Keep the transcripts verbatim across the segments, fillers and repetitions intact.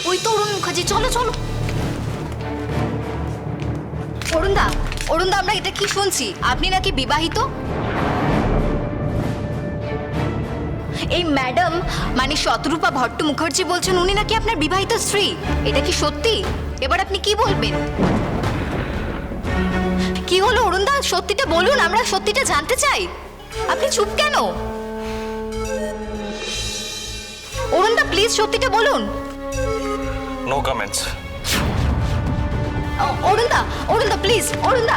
ওই তো অরুণ মুখার্জি, চলো চলো। অরুণদা, অরুণদা, আমরা এটা কি শুনছি? আপনি নাকি বিবাহিত? এই ম্যাডাম মানে শতরূপা ভট্ট মুখার্জি বলছেন উনি নাকি আপনার বিবাহিত স্ত্রী। এটা কি সত্যি? এবার আপনি কি বলবেন? কি হলো অরুণদা, সত্যিটা বলুন, আমরা সত্যিটা জানতে চাই। আপনি চুপ কেন? অরুণদা প্লিজ সত্যিটা বলুন। No comments. অরুণদা, অরুণদা প্লিজ, অরুণদা।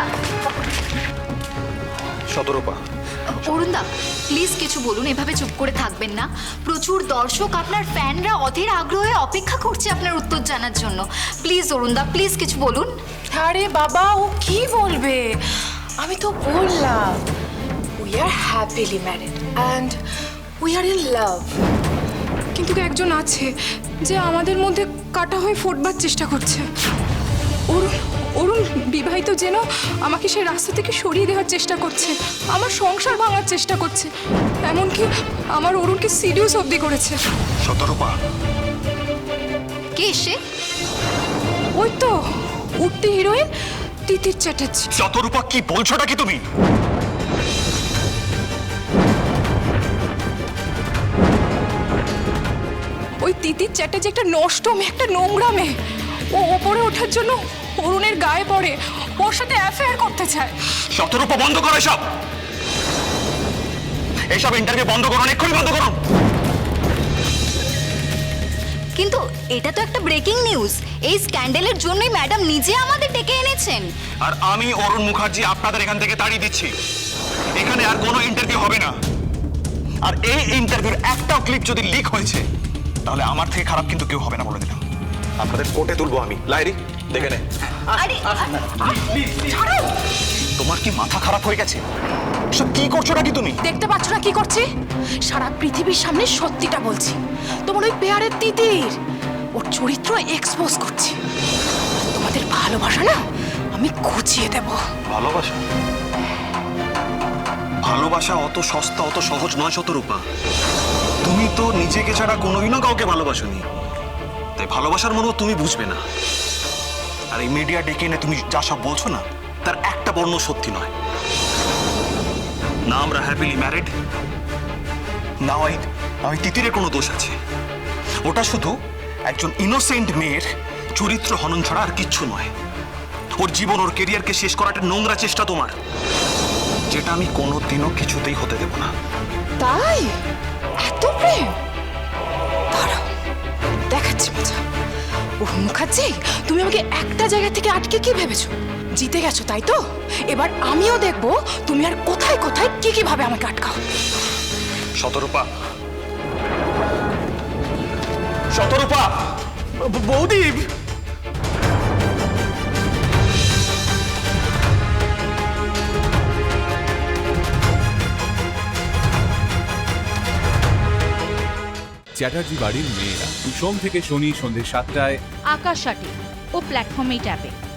শতরূপা, অরুণদা প্লিজ কিছু বলুন, এভাবে চুপ করে থাকবেন না। প্রচুর দর্শক, আপনার ফ্যানরা অধীর আগ্রহে অপেক্ষা করছে আপনার উত্তর জানার জন্য। প্লিজ অরুণদা, প্লিজ কিছু বলুন। আরে বাবা, ও কি বলবে? আমি তো বললাম we are happily married and we are in love. কিন্তু একজন আছে যে আমাদের মধ্যে কাটা হয়ে ফোটবার চেষ্টা করছে। অরুণ অরুণ বিবাহিত যেন আমাকে সেই রাস্তা থেকে সরিয়ে দেওয়ার চেষ্টা করছে, আমার সংসার ভাঙার চেষ্টা করছে, এমনকি আমার অরুণকে সিরিয়াস অবধি করেছে। শতরূপা, কে সে? ওই তো উঠতি হিরোইন তিতির চ্যাটার্জি। শতরূপা কি বলছোটা কি তুমি? ওই তিতির চ্যাটার্জি একটা নষ্ট মেয়ে, একটা নোংরা মেয়ে। ও ওপরে ওঠার জন্য অরুণের গায়ে পড়ে, ওর সাথে অ্যাফেয়ার করতে চায়। শতরূপা বন্ধ করো এসব, এসব ইন্টারভিউ বন্ধ করুন, এক্ষুনি বন্ধ করুন। কিন্তু এটা তো একটা ব্রেকিং নিউজ। এই স্ক্যান্ডালের জন্যই ম্যাডাম নিজে আমাদের ডেকে এনেছেন। আর আমি অরুণ মুখার্জি আপনাদের এখান থেকে তাড়িয়ে দিচ্ছি। এখানে আর কোনো ইন্টারভিউ হবে না। আর এই ইন্টারভিউর একটাও ক্লিপ যদি লিক হয়েছে তাহলে আমার থেকে খারাপ কিন্তু কেউ হবে না, বলে দিলাম। আপনাদের কোর্টে তুলবো আমি। লাইরি দেখে নে। আরে ছাড়ো! তোমার কি মাথা খারাপ হয়ে গেছে? সব কি করছো নাকি তুমি? দেখতে পাচ্ছ না কি করছি? সারা পৃথিবীর সামনে সত্যিটা বলছি। তোমার ওই পেয়ারের তিতির, ওর চরিত্র এক্সপোজ করছি। তোমাদের ভালোবাসা না আমি খুঁচিয়ে দেব। ভালোবাসা? ভালোবাসা অত সস্তা, অত সহজ নয় শতরূপা। তুমি তো নিজেকে ছাড়া কোনোদিনও কাউকে ভালোবাসোনি, তাই ভালোবাসার মনেও তুমি বুঝবে না। আর এই মিডিয়া ডেকে এনে তুমি যা সব বলছো না, তার একটা বর্ণ সত্যি নয়। না আমরা হ্যাপিলি ম্যারিড, না ওই আমি তিতিরের কোনো দোষ আছে। ওটা শুধু একজন ইনোসেন্ট মেয়ের চরিত্র হনন ছাড়া আর কিচ্ছু নয়। ওর জীবন, ওর কেরিয়ারকে শেষ করাটা নোংরা চেষ্টা তোমার, যেটা আমি কোনোদিনও কিছুতেই হতে দেব না। তাই এত প্রেম? দাঁড়াও, দেখাচ্ছি মজা। ওর মুখার্জি, তুমি আমাকে একটা জায়গা থেকে আটকে কি ভেবেছো? জিতে গেছো তাই তো? এবার আমিও দেখবো তুমি আর কোথায় কোথায় কি কি ভাবে আমাকে আটকাও। শতরূপা, শতরূপা, বৌদি। চ্যাটার্জি বাড়ির মেয়েরা, সোম থেকে শনি সন্ধ্যে সাতটায় আকাশ আটে ও প্ল্যাটফর্মেই ট্যাপে।